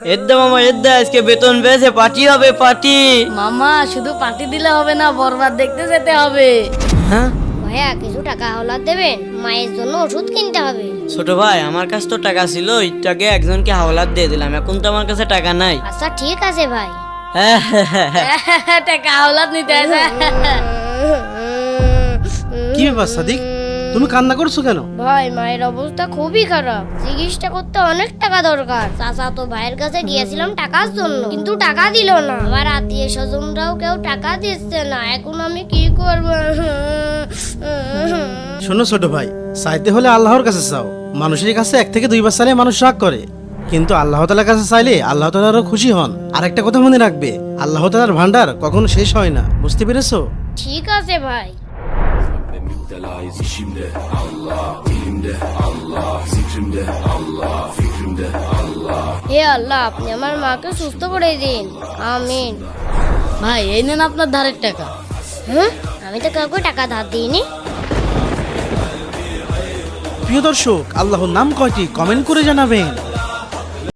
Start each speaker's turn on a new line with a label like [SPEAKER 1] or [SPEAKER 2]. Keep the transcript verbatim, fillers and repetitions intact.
[SPEAKER 1] এদ্দা মামা এদ্দা আজকে বেতন পেয়েছে, পার্টি হবে পার্টি।
[SPEAKER 2] মামা শুধু পার্টি দিলে হবে না, বরবাদ দেখতে যেতে হবে।
[SPEAKER 1] হ্যাঁ
[SPEAKER 3] ভাইয়া কিছু টাকা হাওলাত দেবেন, মায়ের জন্য ওষুধ কিনতে হবে।
[SPEAKER 1] ছোট ভাই, আমার কাছে তো টাকা ছিল, একটু আগে একজনকে হাওলাত দিয়ে দিলাম, এখন তো আমার কাছে টাকা নাই।
[SPEAKER 3] আচ্ছা ঠিক আছে ভাই।
[SPEAKER 2] টাকা হাওলাত নিতে আসে।
[SPEAKER 4] কি ব্যাপার সাদিক, তুমি কান্না করছো কেন?
[SPEAKER 3] ভাই মায়ের অবস্থা খুবই খারাপ, চিকিৎসা করতে অনেক টাকা দরকার। চাচা তো ভাইয়ের কাছে গিয়েছিলাম টাকার জন্য, কিন্তু টাকা দিল না। আবার আত্মীয় স্বজনরাও কেউ টাকা দিচ্ছে না, এখন আমি কি করব?
[SPEAKER 4] শোনো ছোট ভাই, চাইতে হলে আল্লাহর কাছে চাও। মানুষের কাছে এক থেকে দুইবার চাইলে মানুষ রাগ করে, কিন্তু আল্লাহ তাআলার কাছে চাইলে আল্লাহ তাআলা আরো খুশি হন। আর একটা কথা মনে রাখবে, আল্লাহ তাআলার ভান্ডার কখনো শেষ হয় না, বুঝতে পেরেছো?
[SPEAKER 3] ঠিক আছে ভাই। হে আল্লাহ, আপনি আমার মাকে সুস্থ করে দিন, আমিন।
[SPEAKER 2] ভাই এই নেন আপনার ধারের টাকা।
[SPEAKER 3] হ্যাঁ, আমি তো কাউকে টাকা ধার দিইনি।
[SPEAKER 4] প্রিয় দর্শক, আল্লাহর নাম কয়টি কমেন্ট করে জানাবেন।